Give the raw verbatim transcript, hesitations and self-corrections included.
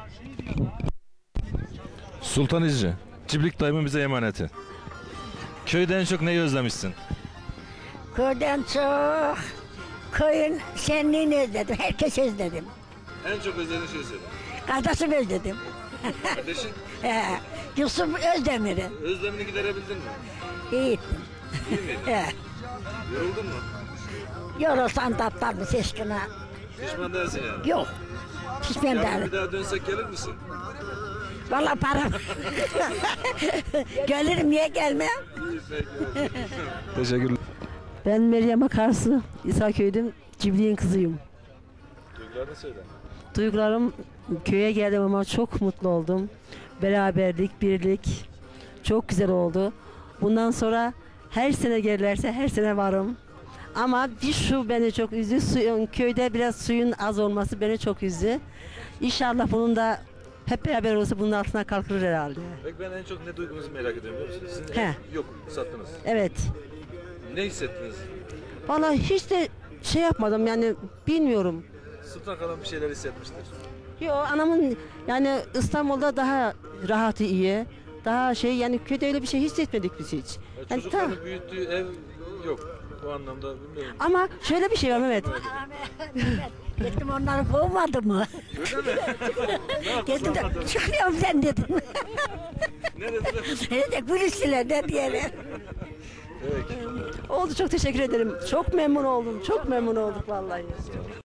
Sultan İzci, Ciblik dayımın bize emaneti. Köyde en çok neyi özlemişsin? Köyden çok, köyün şenliğini özledim, herkes özledim. En çok özlediğin şey söyle. Kardeşimi özledim. Kardeşin? He, Yusuf Özdemir'i. Özlemini giderebildin mi? İyi ettim. İyi miydin? He. Yoruldun mu? Yorulsan tatlar mı seçkine? Pişman değilsin yani. Yok. Pişman Yarın bir değilim. daha dönsek gelir misin? Valla param. Gelirim, niye gelmem? İyi peki. Teşekkürler. Ben Meryem Akarsu, İsaköy'düm, Cibri'nin kızıyım. Duygularını söyle. Duygularım, köye geldim ama çok mutlu oldum. Beraberlik, birlik çok güzel oldu. Bundan sonra her sene gelirlerse her sene varım. Ama bir şu beni çok üzdü, suyun, köyde biraz suyun az olması beni çok üzdü. İnşallah bunun da hep beraber olsa bunun altına kalkılır herhalde. Peki ben en çok ne duygunuzu merak ediyorum biliyor musunuz? Siz He. yok sattınız. Evet. Ne hissettiniz? Vallahi hiç de şey yapmadım yani bilmiyorum. Sultan kalan bir şeyler hissetmiştir. Yo, anamın yani İstanbul'da daha rahatı iyi. Daha şey yani köyde öyle bir şey hissetmedik biz hiç. Ya Yani çocukların ta- büyüttüğü ev yok. Bu anlamda bilmiyorum. ama şöyle bir şey var Mehmet. Gittim onları kovmadı mı? Öyle mi? Ne yaptın? Gittim de çıkıyorum sen dedim. Ne dediler? Ne de gülüştüler ne diyelim. Peki. Oldu, çok teşekkür ederim. Çok memnun oldum. Çok memnun olduk vallahi.